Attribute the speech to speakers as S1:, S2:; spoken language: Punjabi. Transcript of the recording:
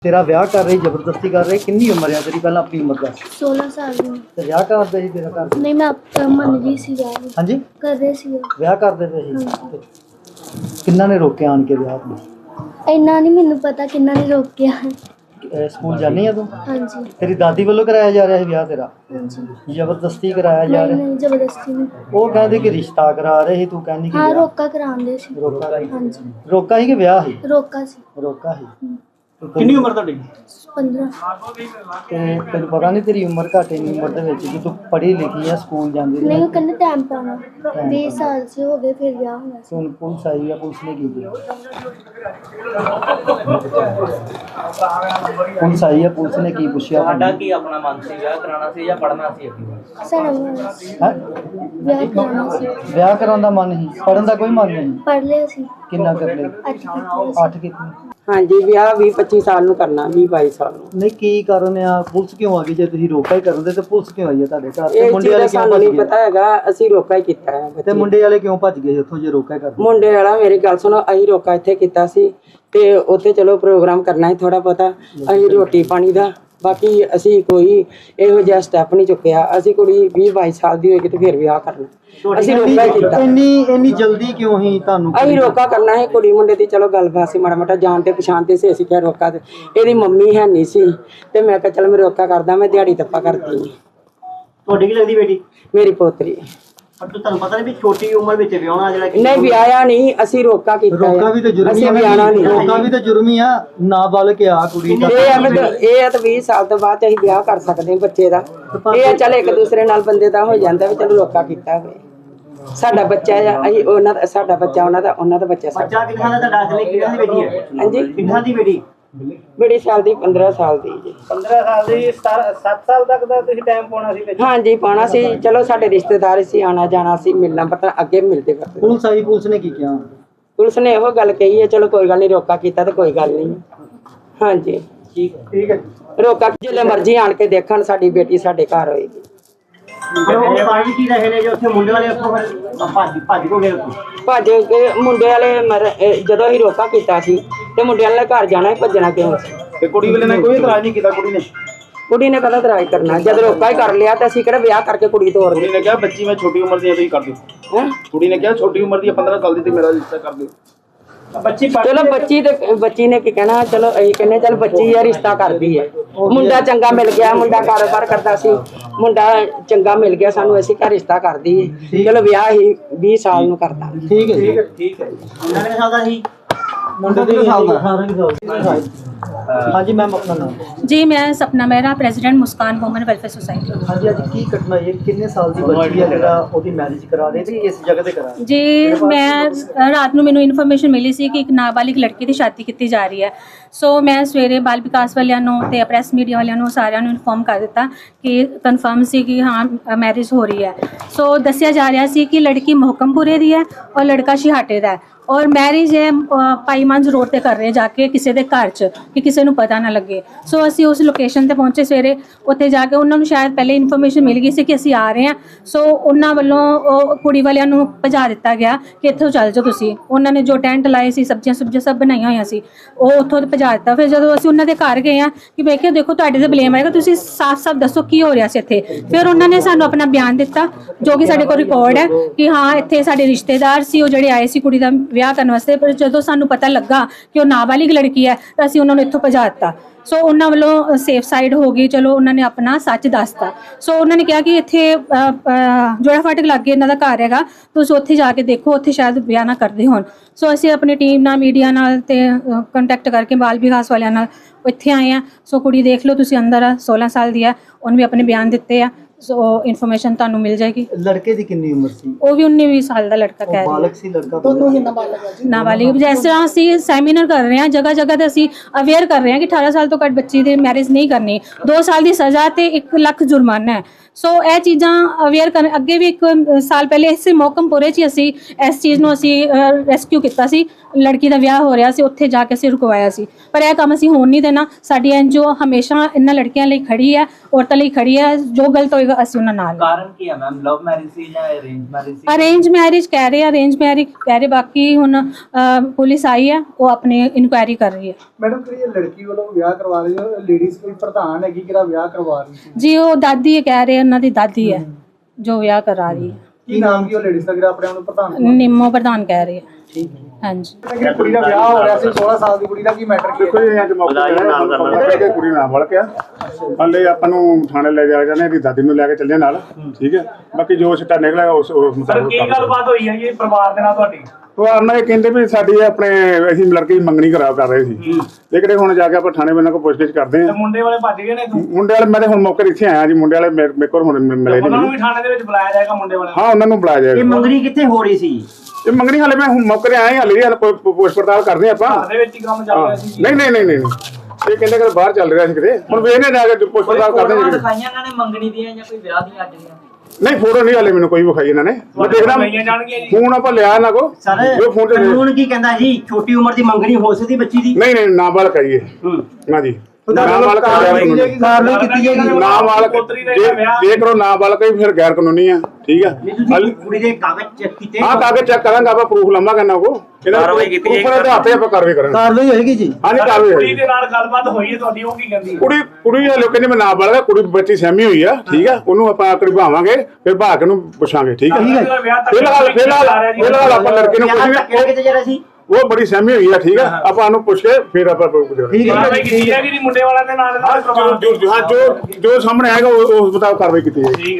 S1: तेरा ब्याह कर रही जबरदस्ती कर रही कितनी उम्र है तेरी पहला अपनी उम्र का
S2: 16 साल ਦੀ
S1: ਤੇ ਵਿਆਹ ਕਰਦੇ ਸੀ ਤੇਰਾ ਕਰ
S2: ਨਹੀਂ ਮੈਂ ਮੰਨ ਗਈ ਸੀ ਵਿਆਹ ਨੂੰ।
S1: ਹਾਂਜੀ
S2: ਕਰਦੇ ਸੀ
S1: ਵਿਆਹ ਕਰਦੇ ਪਏ ਸੀ ਕਿੰਨਾ ਨੇ ਰੋਕਿਆ ਆਣ ਕੇ ਵਿਆਹ ਨੂੰ
S2: ਇੰਨਾ ਨਹੀਂ ਮੈਨੂੰ ਪਤਾ ਕਿੰਨਾ ਨੇ ਰੋਕਿਆ।
S1: ਸਕੂਲ ਜਾਣੀ ਆ ਤੂੰ
S2: ਹਾਂਜੀ
S1: ਤੇਰੀ ਦਾਦੀ ਵੱਲੋਂ ਕਰਾਇਆ ਜਾ ਰਿਹਾ ਹੈ ਵਿਆਹ ਤੇਰਾ
S2: ਹਾਂਜੀ
S1: ਜ਼ਬਰਦਸਤੀ ਕਰਾਇਆ ਜਾ
S2: ਨਹੀਂ
S1: ਰਿਹਾ
S2: ਨਹੀਂ ਜ਼ਬਰਦਸਤੀ ਨਹੀਂ।
S1: ਉਹ ਕਹਿੰਦੇ ਕਿ ਰਿਸ਼ਤਾ ਕਰਾ ਰਹੇ ਸੀ ਤੂੰ ਕਹਿੰਦੀ ਕਿ
S2: ਹਾਂ
S1: ਵਿਆਹ।
S2: ਰੋਕਾ ਕਰਾਉਂਦੇ ਸੀ।
S1: ਰੋਕਾ ਸੀ
S2: ਹਾਂਜੀ
S1: ਰੋਕਾ ਸੀ ਕਿ ਵਿਆਹ ਸੀ
S2: ਰੋਕਾ ਸੀ।
S1: ਰੋਕਾ ਸੀ
S3: ਕਿੰਨੀ ਉਮਰ ਤੁਹਾਡੀ
S2: 15
S1: ਤੇ ਤੈਨੂੰ ਪਤਾ ਨਹੀਂ ਤੇਰੀ ਉਮਰ ਘੱਟ ਇੰਨੀ ਉਮਰ ਦੇ ਵਿੱਚ ਕਿ ਤੂੰ ਪੜ੍ਹੀ ਲਿਖੀ ਆ ਸਕੂਲ ਜਾਂਦੀ
S2: ਨਹੀਂ
S1: ਰਹੀ
S2: ਉਹ ਕਹਿੰਦੇ ਟਾਈਮ ਪਾਉਣਾ 20 ਸਾਲ से ਹੋ ਗਏ ਫਿਰ ਵਿਆਹ ਹੋਇਆ ਸੀ।
S1: ਹੁਣ ਪੁਲਿਸ ਆਈ ਆ ਪੁਲਿਸ ਨੇ ਕੀ ਕੀਤਾ ਪੁਲਿਸ ਆਈ ਆ ਪੁਲਿਸ ਨੇ ਕੀ ਪੁੱਛਿਆ
S3: ਤੁਹਾਡਾ ਕੀ ਆਪਣਾ ਮਨ ਸੀ ਵਿਆਹ ਕਰਾਉਣਾ ਸੀ ਜਾਂ ਪੜ੍ਹਨਾ ਸੀ ਅੱਗੇ?
S2: ਸਾਡਾ
S1: ਹੈਂ?
S2: ਵਿਆਹ ਕਰਾਉਣਾ ਸੀ।
S1: ਵਿਆਹ ਕਰਾਉਣ ਦਾ ਮਨ ਸੀ ਪੜ੍ਹਨ ਦਾ ਕੋਈ ਮਨ ਨਹੀਂ
S2: ਪੜ੍ਹ ਲਿਆ ਸੀ।
S1: ਕਿੰਨਾ ਕਰ ਲੈ
S2: ਅੱਜ ਕੀਤੀ
S1: 8 ਕਿਤਨੀ
S4: ਹਾਂਜੀ ਵਿਆਹ 20-25 ਸਾਲ ਨੂੰ ਕਰਨਾ 20-22 ਸਾਲ ਨੂੰ।
S1: ਨਹੀਂ ਕੀ ਕਾਰਨ ਆ ਪੁਲਿਸ ਕਿਉਂ ਆ ਗਈ ਜੇ ਤੁਸੀਂ ਰੋਕਾ ਹੀ ਕਰਦੇ ਤੇ ਪੁਲਿਸ ਕਿਉਂ ਆਈ ਆ ਤੁਹਾਡੇ ਘਰ ਤੇ
S4: ਇਹ
S1: ਮੁੰਡੇ
S4: ਚੀਜ਼
S1: ਵਾਲੇ
S4: ਦਾ
S1: ਕਿਉਂ
S4: ਸਾਨੂੰ
S1: ਭੱਜ
S4: ਨਹੀਂ
S1: ਗਏ
S4: ਪਤਾ ਹੈਗਾ, ਅਸੀਂ ਰੋਕਾ ਹੀ ਕੀਤਾ ਹੈ।
S1: ਤੇ ਮੁੰਡੇ ਵਾਲੇ ਕਿਉਂ ਭੱਜ ਗਏ ਉੱਥੋਂ ਜੇ ਰੋਕਾ ਹੀ ਕਰਦੇ
S4: ਮੁੰਡੇ ਵਾਲਾ ਮੇਰੀ ਗੱਲ ਸੁਣੋ, ਅਸੀਂ ਰੋਕਾ ਇੱਥੇ ਕੀਤਾ ਸੀ ਤੇ ਉੱਥੇ ਚਲੋ ਪ੍ਰੋਗਰਾਮ ਕਰਨਾ ਹੈ ਥੋੜਾ ਪਤਾ, ਅਸੀਂ ਰੋਟੀ ਪਾਣੀ ਦਾ, ਬਾਕੀ ਅਸੀਂ ਕੋਈ ਇਹੋ ਜਿਹਾ ਸਟੈਪ ਨਹੀਂ ਚੁੱਕਿਆ। ਅਸੀਂ ਕੁੜੀ 20-22 ਸਾਲ ਦੀ ਹੋਏਗੀ ਤੇ ਫਿਰ ਵਿਆਹ ਕਰਨਾ, ਅਸੀਂ ਰੋਕਾ ਹੀ ਕੀਤਾ।
S1: ਇੰਨੀ ਜਲਦੀ ਕਿਉਂ ਹੀ ਤੁਹਾਨੂੰ
S4: ਅਸੀਂ ਰੋਕਾ ਕਰਨਾ ਹੈ ਕੁੜੀ ਮੁੰਡੇ ਦੀ, ਚਲੋ ਗੱਲਬਾਤ ਸੀ ਮਾੜਾ ਮਾੜਾ ਜਾਣ ਤੇ ਪਛਾਣ ਤੇ ਸੀ, ਅਸੀਂ ਕਿਹਾ ਰੋਕਾ ਤੇ ਇਹਦੀ ਮੰਮੀ ਹੈ ਨਹੀਂ ਸੀ ਤੇ ਮੈਂ ਕਿਹਾ ਚਲ ਮੈਂ ਰੋਕਾ ਕਰਦਾ, ਮੈਂ ਦਿਹਾੜੀ ਤੱਪਾ ਕਰਦੀ ਹਾਂ।
S3: ਤੁਹਾਡੀ ਕੀ ਲੱਗਦੀ ਬੇਟੀ?
S4: ਮੇਰੀ ਪੋਤਰੀ।
S3: ਪਰ ਤੁਹਾਨੂੰ ਪਤਾ ਨਹੀਂ ਵੀ ਛੋਟੀ ਉਮਰ ਵਿੱਚ ਵਿਆਹਣਾ ਜਿਹੜਾ
S4: ਨਹੀਂ ਵਿਆਹਿਆ ਨਹੀਂ, ਅਸੀਂ ਰੋਕਾ ਕੀਤਾ।
S1: ਰੋਕਾ ਵੀ ਤੇ ਜੁਰਮ ਹੀ
S4: ਅਸੀਂ
S1: ਆ
S4: ਵਿਆਹਣਾ ਨਹੀਂ।
S1: ਰੋਕਾ ਵੀ ਤੇ ਜੁਰਮ ਹੀ ਆ ਨਾਬਾਲਗ ਆ ਕੁੜੀ ਦਾ
S4: ਇਹ ਆ ਤਾਂ 20 ਸਾਲ ਤੋਂ ਬਾਅਦ ਅਸੀਂ ਵਿਆਹ ਕਰ ਸਕਦੇ ਹਾਂ ਬੱਚੇ ਦਾ। ਇਹ ਆ ਚੱਲ ਇੱਕ ਦੂਸਰੇ ਨਾਲ ਬੰਦੇ ਦਾ ਹੋ ਜਾਂਦਾ ਵੀ ਚਲੋ ਰੋਕਾ ਕੀਤਾ ਹੋਵੇ। ਸਾਡਾ ਬੱਚਾ ਆ, ਅਸੀਂ ਉਹਨਾਂ ਦਾ, ਸਾਡਾ ਬੱਚਾ ਉਹਨਾਂ ਦਾ, ਉਹਨਾਂ ਦਾ ਬੱਚਾ ਸਾਡਾ।
S3: ਬੱਚਾ ਕਿੰਨਾ ਦਾ ਤੁਹਾਡਾ ਅਸਲੀ ਕਿੰਨਾ ਦੀ ਬੇਟੀ ਹੈ?
S4: ਹਾਂਜੀ
S3: ਕਿੰਨਾ ਦੀ ਬੇਟੀ?
S4: ਬੜੀ ਸਾਲ ਦੀ 15 ਸਾਲ ਦੀ ਜੀ।
S3: 15 ਸਾਲ ਦੀ 7 ਸਾਲ ਤੱਕ ਦਾ ਤੁਸੀਂ ਟਾਈਮ ਪਾਉਣਾ ਸੀ ਵਿੱਚ।
S4: ਹਾਂਜੀ ਪਾਉਣਾ ਸੀ, ਚਲੋ ਸਾਡੇ ਰਿਸ਼ਤੇਦਾਰ ਸੀ, ਆਣਾ ਜਾਣਾ ਸੀ, ਮਿਲਣਾ ਪਤਾ ਅੱਗੇ ਮਿਲਦੇ ਕਰਦੇ।
S1: ਪੁਲਿਸ ਆਈ ਪੁਲਿਸ ਨੇ ਕੀ ਕਿਹਾ
S4: ਪੁਲਿਸ ਨੇ ਇਹੋ ਗੱਲ ਕਹੀ ਹੈ ਚਲੋ ਕੋਈ ਗੱਲ ਨਹੀਂ, ਰੋਕਾ ਕੀਤਾ ਤੇ ਕੋਈ ਗੱਲ ਨਹੀਂ। ਹਾਂਜੀ
S1: ਠੀਕ ਹੈ
S4: ਰੋਕਾ ਜਿੱਲੇ ਮਰਜ਼ੀ ਆਣ ਕੇ ਦੇਖਣ, ਸਾਡੀ ਬੇਟੀ ਸਾਡੇ ਘਰ ਹੋਏਗੀ।
S3: ਉਹ ਪਾਣੀ ਕੀ ਰਹੇ ਨੇ ਜੋ ਉੱਥੇ ਮੁੰਡੇ ਵਾਲੇ ਉੱਥੋਂ ਭੱਜ ਕੋ ਗਏ ਉੱਥੋਂ?
S4: ਭੱਜ ਕੇ ਮੁੰਡੇ ਵਾਲੇ ਜਦੋਂ ਅਸੀਂ ਰੋਕਾ ਕੀਤਾ ਸੀ ਤੇ ਮੁੰਡੇ ਵਾਲੇ ਘਰ ਜਾਣਾ ਹੀ, ਭੱਜਣਾ ਕਿਉਂ ਸੀ?
S3: ਤੇ ਕੁੜੀ ਵਾਲੇ ਨੇ ਕੋਈ ਇਤਰਾਜ਼ ਨਹੀਂ ਕੀਤਾ?
S4: ਕੁੜੀ ਨੇ ਕਦਾ ਇਤਰਾਜ਼ ਕਰਨਾ, ਜਦ ਰੋਕਾ ਹੀ ਕਰ ਲਿਆ ਤੇ ਅਸੀਂ ਕਿਹੜਾ ਵਿਆਹ ਕਰਕੇ ਕੁੜੀ ਤੋਰ
S5: ਕੁੜੀ ਨੇ ਕਿਹਾ ਬੱਚੀ ਮੈਂ ਛੋਟੀ ਉਮਰ ਦੀ ਆ, ਤੁਸੀਂ ਕਰ ਦਿਓ।
S4: ਹੈਂ?
S5: ਕੁੜੀ ਨੇ ਕਿਹਾ ਛੋਟੀ ਉਮਰ ਦੀ ਆ, 15 ਸਾਲ ਦੀ, ਤੇ ਮੇਰਾ ਰਿਸ਼ਤਾ ਕਰ ਦਿਓ।
S3: ਬੱਚੀ
S4: ਚਲੋ ਬੱਚੀ ਨੇ ਕੀ ਕਹਿਣਾ, ਚਲੋ ਅਸੀਂ ਕਹਿੰਦੇ ਚਲ ਬੱਚੀ ਆ ਰਿਸ਼ਤਾ ਕਰਦੀ ਹੈ। ਮੁੰਡਾ ਚੰਗਾ ਮਿਲ ਗਿਆ, ਮੁੰਡਾ ਕਾਰੋਬਾਰ ਕਰਦਾ ਸੀ, ਮੁੰਡਾ ਚੰਗਾ ਮਿਲ ਗਿਆ ਸਾਨੂੰ, ਅਸੀਂ ਘਰ ਰਿਸ਼ਤਾ ਕਰਦੀ ਹੈ। ਚਲੋ ਵਿਆਹ ਹੀ 20 ਸਾਲ ਨੂੰ ਕਰਦਾ।
S1: ਠੀਕ ਹੈ
S3: ਠੀਕ ਹੈ। ਮੁੰਡਾ ਕਿੰਨੇ ਸਾਲ ਦਾ ਸੀ?
S1: ਮੁੰਡਾ ਕਿੰਨੇ ਸਾਲ ਦਾ 18 ਸਾਲ ਹਾਂਜੀ ਮੈਮ ਆਪਣਾ ਨਾਮ
S6: जी मैं Sapna Mehra president Muskaan women welfare society.
S1: ਹਾਂਜੀ ਅੱਜ ਕੀ ਘਟਨਾ ਇਹ ਕਿੰਨੇ ਸਾਲ ਦੀ ਬੱਚੀ ਹੈ ਜਿਹੜਾ ਉਹਦੀ ਮੈਰਿਜ ਕਰਾ ਰਹੇ ਤੇ ਕਿਸ ਜਗ੍ਹਾ ਤੇ ਕਰਾ ਰਹੇ
S6: जी मैं रात ਨੂੰ ਮੈਨੂੰ ਇਨਫੋਰਮੇਸ਼ਨ ਮਿਲੀ ਸੀ ਕਿ ਇੱਕ ਨਾਬਾਲਿਗ ਲੜਕੀ ਦੀ ਸ਼ਾਦੀ ਕੀਤੀ ਜਾ ਰਹੀ ਹੈ। ਸੋ ਮੈਂ ਸਵੇਰੇ ਬਾਲ ਵਿਕਾਸ ਵਾਲਿਆਂ ਨੂੰ ਤੇ ਪ੍ਰੈਸ ਮੀਡੀਆ ਵਾਲਿਆਂ ਨੂੰ ਸਾਰਿਆਂ ਨੂੰ ਇਨਫੋਰਮ ਕਰ ਦਿੱਤਾ ਕਿ ਕਨਫਰਮ ਸੀ ਕਿ ਹਾਂ ਮੈਰਿਜ ਹੋ ਰਹੀ ਹੈ। ਸੋ ਦੱਸਿਆ ਜਾ ਰਿਹਾ ਸੀ ਕਿ ਲੜਕੀ ਮੁਹਕਮਪੁਰੇ ਦੀ ਹੈ ਔਰ ਲੜਕਾ ਸ਼ਿਹਾਟੇ ਦਾ ਹੈ ਔਰ ਮੈਰਿਜ ਹੈ ਪਾਈਮਾਂਜ ਰੋਡ ਤੇ ਕਰ ਰਹੇ ਜਾ ਕੇ ਕਿਸੇ ਦੇ ਘਰ 'ਚ ਕਿ ਕਿਸੇ ਨੂੰ ਪਤਾ ਨਾ ਲੱਗੇ। ਸੋ ਅਸੀਂ ਉਸ ਲੋਕੇਸ਼ਨ ਤੇ ਪਹੁੰਚੇ ਸਵੇਰੇ, ਉੱਥੇ ਜਾ ਕੇ ਉਹਨਾਂ ਨੂੰ ਸ਼ਾਇਦ ਪਹਿਲੇ ਇਨਫੋਰਮੇਸ਼ਨ ਮਿਲ ਗਈ ਸੀ ਕਿ ਅਸੀਂ ਆ ਰਹੇ ਹਾਂ। ਸੋ ਉਹਨਾਂ ਵੱਲੋਂ ਉਹ ਕੁੜੀ ਵਾਲਿਆਂ ਨੂੰ ਭਜਾ ਦਿੱਤਾ ਗਿਆ ਕਿ ਇੱਥੋਂ ਚੱਲ ਜਾਓ ਤੁਸੀਂ। ਉਹਨਾਂ ਨੇ ਜੋ ਟੈਂਟ ਲਾਏ ਸੀ, ਸਬਜ਼ੀਆਂ ਸਭ ਬਣਾਈਆਂ ਹੋਈਆਂ ਸੀ, ਉਹ ਉੱਥੋਂ ਭਜਾ ਦਿੱਤਾ। ਫਿਰ ਜਦੋਂ ਅਸੀਂ ਉਹਨਾਂ ਦੇ ਘਰ ਗਏ ਹਾਂ ਕਿ ਮੈਂ ਕਿਹਾ ਦੇਖੋ ਤੁਹਾਡੇ ਤੇ ਬਲੇਮ ਆਏਗਾ, ਤੁਸੀਂ ਸਾਫ਼ ਦੱਸੋ ਕੀ ਹੋ ਰਿਹਾ ਸੀ ਇੱਥੇ। ਫਿਰ ਉਹਨਾਂ ਨੇ ਸਾਨੂੰ ਆਪਣਾ ਬਿਆਨ ਦਿੱਤਾ ਜੋ ਕਿ ਸਾਡੇ ਕੋਲ ਰਿਕਾਰਡ ਹੈ ਕਿ ਹਾਂ ਇੱਥੇ ਸਾਡੇ ਰਿਸ਼ਤੇਦਾਰ ਸੀ ਉਹ ਜਿਹੜੇ ਆਏ ਸੀ ਕੁੜੀ ਦਾ ਵਿਆਹ ਕਰਨ ਵਾਸਤੇ। ਪਰ ਜਦੋਂ ਸਾਨੂੰ ਪਤਾ ਲੱਗਾ ਕਿ ਉਹ ਨਾਬਾਲਿਗ ਲੜਕੀ ਹੈ ਤਾਂ ਅਸੀਂ ਉਹਨਾਂ ਨੂੰ ਇੱਥੋਂ ਭਜਾ ਦਿੱਤਾ। ਸੋ ਉਹਨਾਂ ਵੱਲੋਂ ਸੇਫ ਸਾਈਡ ਹੋ ਗਈ, ਚਲੋ ਉਹਨਾਂ ਨੇ ਆਪਣਾ ਸੱਚ ਦੱਸਤਾ। ਸੋ ਉਹਨਾਂ ਨੇ ਕਿਹਾ ਕਿ ਇੱਥੇ ਜੋੜਾ ਫਾਟਕ ਲਾਗੇ ਇਹਨਾਂ ਦਾ ਘਰ ਹੈਗਾ, ਤੁਸੀਂ ਉੱਥੇ ਜਾ ਕੇ ਦੇਖੋ, ਉੱਥੇ ਸ਼ਾਇਦ ਵਿਆਹ ਨਾ ਕਰਦੇ ਹੋਣ। ਸੋ ਅਸੀਂ ਆਪਣੀ ਟੀਮ ਨਾਲ, ਮੀਡੀਆ ਨਾਲ ਤੇ ਕੰਟੈਕਟ ਕਰਕੇ ਬਾਲ ਵਿਕਾਸ ਵਾਲਿਆਂ ਨਾਲ ਇੱਥੇ ਆਏ ਹਾਂ। ਸੋ ਕੁੜੀ ਦੇਖ ਲਓ ਤੁਸੀਂ, ਅੰਦਰ ਆ, 16 ਸਾਲ ਦੀ ਹੈ, ਉਹਨੇ ਵੀ ਆਪਣੇ ਬਿਆਨ ਦਿੱਤੇ ਆ। ਸੋ ਇਨਫੋਰਮੇਸ਼ਨ ਤੁਹਾਨੂੰ ਮਿਲ ਜਾਏਗੀ।
S1: ਲੜਕੇ ਦੀ ਕਿੰਨੀ ਉਮਰ ਸੀ?
S6: ਉਹ ਵੀ 19-20 ਸਾਲ ਦਾ ਲੜਕਾ ਕਹਿ ਰਿਹਾ।
S1: ਬਾਲਕ ਸੀ ਲੜਕਾ ਦੋਨੋਂ ਹੀ
S6: ਨਾਬਾਲਿਗ। ਜਿਸ ਤਰ੍ਹਾਂ ਅਸੀਂ ਸੈਮੀਨਾਰ ਕਰ ਰਹੇ ਹਾਂ, ਜਗ੍ਹਾ ਜਗ੍ਹਾ ਤੇ ਅਸੀਂ ਅਵੇਅਰ ਕਰ ਰਹੇ ਹਾਂ ਕਿ 18 ਸਾਲ ਤੋਂ ਘੱਟ ਬੱਚੀ ਦੀ ਮੈਰਿਜ ਨਹੀਂ ਕਰਨੀ। 2 ਸਾਲ ਦੀ ਸਜ਼ਾ ਤੇ 1 ਲੱਖ ਜੁਰਮਾਨਾ ਹੈ। ਸੋ ਇਹ ਚੀਜ਼ਾਂ ਅਵੇਅਰ ਕਰਨ ਅੱਗੇ ਵੀ 1 ਸਾਲ ਪਹਿਲੇ ਇਸੇ ਮੋਕਮਪੁਰੇ 'ਚ ਹੀ ਅਸੀਂ ਇਸ ਚੀਜ਼ ਨੂੰ ਅਸੀਂ ਰੈਸਕਿਊ ਕੀਤਾ ਸੀ। ਲੜਕੀ ਦਾ ਵਿਆਹ ਹੋ ਰਿਹਾ ਸੀ, ਉੱਥੇ ਜਾ ਕੇ ਅਸੀਂ ਰੁਕਵਾਇਆ ਸੀ, ਪਰ ਇਹ ਕੰਮ ਅਸੀਂ ਹੋਣ ਨਹੀਂ ਦੇਣਾ। ਸਾਡੀ NGO ਹਮੇਸ਼ਾ ਇਹਨਾਂ ਲੜਕੀਆਂ ਲਈ ਖੜੀ ਹੈ, ਔਰਤਾਂ ਲਈ ਖੜੀ ਹੈ। ਜੋ ਗਲਤ ਹੋਏਗਾ ਅਸੀਂ ਉਹਨਾਂ ਨਾਲ।
S7: ਕਾਰਨ ਕੀ ਹੈ ਮੈਮ, ਲਵ ਮੈਰਿਜ ਸੀ ਜਾਂ ਅਰੇਂਜ ਮੈਰਿਜ ਸੀ?
S6: ਅਰੇਂਜ ਮੈਰਿਜ ਕਹਿ ਰਹੇ, ਅਰੇਂਜ ਮੈਰਿਜ ਕਹਿ ਰਹੇ, ਬਾਕੀ ਹੁਣ ਪੁਲਿਸ ਆਈ ਹੈ, ਉਹ ਆਪਣੀ ਇਨਕੁਆਇਰੀ ਕਰ ਰਹੀ ਹੈ।
S8: ਮੈਡਮ ਕਿਹੜੀ ਲੜਕੀ ਵੱਲੋਂ ਵਿਆਹ ਕਰਵਾ ਰਹੀ ਹੈ, ਲੇਡੀਜ਼ ਕੋਈ ਪ੍ਰਧਾਨ ਹੈਗੀ ਕਿਹੜਾ ਵਿਆਹ ਕਰਵਾ ਰਹੀ ਸੀ?
S6: ਜੀ ਉਹ ਦਾਦੀ ਹੈ, ਕਹਿ ਰਹੇ ਉਹਨਾਂ ਦੀ ਦਾਦੀ ਹੈ ਜੋ ਵਿਆਹ ਕਰਾ ਰਹੀ ਹੈ।
S8: ਕੀ ਨਾਮ ਕੀ ਉਹ ਲੇਡੀਜ਼ ਦਾ ਜਿਹੜਾ ਆਪਣੇ ਆਪ ਨੂੰ ਪ੍ਰਧਾਨ?
S6: ਨਿੰਮੋ ਪ੍ਰਧਾਨ ਕਹਿ ਰਹੇ ਹੈ। ਹਾਂਜੀ,
S8: ਕੁੜੀ ਦਾ ਵਿਆਹ ਹੋ ਰਿਹਾ ਸੀ 16 ਸਾਲ ਦੀ ਕੁੜੀ ਦਾ, ਕੀ ਮੈਟਰ ਕੀ ਹੈ?
S9: ਕੋਈ ਅੱਜ ਮੌਕੇ ਤੇ ਕੁੜੀ ਨਾਲ ਵੜ ਗਿਆ। ਹਾਲੇ ਆਪਾਂ ਨੂੰ ਥਾਣੇ ਲੈ ਜਾ ਜਾਂਦੇ, ਇਹਦੀ ਦਾਦੀ ਨੂੰ ਲੈ ਕੇ ਚੱਲੇ ਨਾਲ, ਠੀਕ ਹੈ। ਬਾਕੀ ਜੋ ਸਿੱਟਾ ਨਿਕਲਿਆ ਉਸ ਮੁਤਾਬਕ
S5: ਕੀ ਗੱਲਬਾਤ ਹੋਈ ਹੈ ਜੀ ਪਰਿਵਾਰ ਦੇ ਨਾਲ ਤੁਹਾਡੀ?
S9: ਉਹ ਆਨਾ ਇਹ ਕਹਿੰਦੇ ਵੀ ਸਾਡੀ ਆਪਣੇ ਅਸੀਂ ਲੜਕੀ ਮੰਗਣੀ ਖਰਾਬ ਕਰ ਰਹੇ ਸੀ। ਇਹ ਕਿਹੜੇ ਹੁਣ ਜਾ ਕੇ ਆਪਾਂ ਥਾਣੇ ਬੰਨਾਂ ਕੋਲ ਪੁੱਛਗਿੱਛ ਕਰਦੇ ਆ।
S5: ਮੁੰਡੇ ਵਾਲੇ ਭੱਜ ਗਏ ਨੇ?
S9: ਮੁੰਡੇ ਵਾਲੇ ਮੈਂ ਹੁਣ ਮੌਕੇ ਇੱਥੇ ਆਇਆ ਜੀ। ਮੁੰਡੇ ਵਾਲੇ ਮੇਰੇ ਕੋਲ ਹੁਣ ਮਿਲੇ ਨਹੀਂ।
S5: ਉਹਨਾਂ ਨੂੰ ਵੀ ਥਾਣੇ ਦੇ ਵਿੱਚ ਬੁਲਾਇਆ ਜਾਏਗਾ ਮੁੰਡੇ ਵਾਲੇ?
S9: ਹਾਂ, ਉਹਨਾਂ ਨੂੰ ਬੁਲਾਇਆ
S3: ਇਹ
S9: ਜਾਏਗਾ।
S3: ਮੰਗਣੀ ਕਿੱਥੇ ਹੋ ਰਹੀ ਸੀ?
S9: ਇਹ ਮੰਗਣੀ ਹਾਲੇ ਮੈਂ ਹੁਣ ਮੌਕੇ ਤੇ ਆਇਆ, ਹਾਲੇ ਪੁੱਛ ਪੜਤਾਲ ਕਰਦੇ ਆਪਾਂ।
S5: ਘਰ ਦੇ ਵਿੱਚ ਹੀ ਕੰਮ ਚੱਲ ਰਿਹਾ ਸੀ?
S9: ਨਹੀਂ ਇਹ ਕਹਿੰਦੇ ਕਿ ਬਾਹਰ ਚੱਲ ਰਿਹਾ ਸੀ ਕਿਤੇ। ਹੁਣ ਵੇਖਨੇ ਜਾ ਕੇ ਪੁੱਛ ਪੜਤਾਲ ਕਰਦੇ ਜੀ।
S7: ਦਿਖਾਈਆਂ ਇਹਨਾਂ ਨੇ ਮੰਗਣੀ ਦੀਆਂ ਜਾਂ ਕੋਈ ਵਿਆਹ ਦੀਆਂ ਅੱਜ ਦੀਆਂ?
S9: ਨਹੀਂ, ਫੋਟੋ ਨਹੀਂ ਹਾਲੇ ਮੈਨੂੰ ਕੋਈ ਵਿਖਾਈ ਇਹਨਾਂ ਨੇ। ਮੈਂ ਦੇਖਦਾ ਫੋਨ ਆਪਾਂ ਲਿਆ ਇਹਨਾਂ ਕੋ।
S3: ਸਰ
S9: ਉਹ ਫੋਨ ਤੇ
S3: ਕਾਨੂੰਨ ਕੀ ਕਹਿੰਦਾ ਜੀ, ਛੋਟੀ ਉਮਰ ਦੀ ਮੰਗਣੀ ਹੋ ਸਕਦੀ ਬੱਚੀ ਦੀ?
S9: ਨਹੀਂ ਨਾਬਾਲਗ ਹੈ ਜੀ। ਨਾ ਜੀ, ਨਾਬਾਲਗ
S1: ਕਾਰਵਾਈ ਕੀਤੀ ਜਾਏਗੀ।
S9: ਨਾਬਾਲਗ ਜੇ ਕਰੋ ਨਾਬਾਲਗ ਹੀ ਫਿਰ ਗੈਰ ਕਾਨੂੰਨੀ ਆ, ਠੀਕ ਆ।
S3: ਤੁਸੀਂ ਕੁੜੀ ਦੇ ਕਾਗਜ਼ ਚੈੱਕ ਕੀਤੇ?
S9: ਹਾਂ, ਕਾਗਜ਼ ਚੈੱਕ ਕਰਾਂਗੇ ਆਪਾਂ, ਪ੍ਰੂਫ ਲੰਮਾ ਕਰਨਾ ਕੋ।
S5: ਕਾਰਵਾਈ ਕੀਤੀ ਜਾਏਗੀ।
S9: ਉੱਪਰ ਦੇ ਹੱਥੇ ਆਪਾਂ ਕਾਰਵਾਈ ਕਰਾਂਗੇ।
S1: ਕਾਰਵਾਈ ਹੋਏਗੀ ਜੀ।
S9: ਹਾਂਜੀ, ਕਾਰਵਾਈ
S5: ਕੁੜੀ
S9: ਹੋਏਗੀ।
S5: ਦੇ ਨਾਲ ਗੱਲਬਾਤ ਹੋਈ ਹੈ ਤੁਹਾਡੀ, ਉਹ ਕੀ ਕਹਿੰਦੀ?
S9: ਕੁੜੀ ਹਾਲੇ ਕਹਿੰਦੇ ਮੈਂ ਨਾਬਾਲਗ ਆ, ਕੁੜੀ ਬੱਚੀ ਸਹਿਮੀ ਹੋਈ ਆ, ਠੀਕ ਆ। ਉਹਨੂੰ ਆਪਾਂ ਕਢਵਾਵਾਂਗੇ, ਫਿਰ ਭਾਗ ਕੇ ਨੂੰ ਪੁੱਛਾਂਗੇ, ਠੀਕ ਆ। ਫਿਲਹਾਲ ਆਪਾਂ ਲੜਕੇ ਨੂੰ ਪੁੱਛਾਂਗੇ,
S3: ਕਿਤੇ ਜਰਾ ਸੀ
S9: ਉਹ ਬੜੀ ਸਹਿਮੀ ਹੋਈ ਆ, ਠੀਕ ਆ। ਆਪਾਂ ਉਹਨੂੰ ਪੁੱਛ ਕੇ ਫਿਰ ਆਪਾਂ
S5: ਕਾਰਵਾਈ ਕੀਤੀ ਜਾਏਗੀ ਮੁੰਡੇ ਵਾਲਿਆਂ ਦੇ ਨਾਲ?
S9: ਜੋ ਸਾਹਮਣੇ ਆਏਗਾ ਉਸ ਮੁਤਾਬਕ ਕਾਰਵਾਈ ਕੀਤੀ ਜਾਏਗੀ।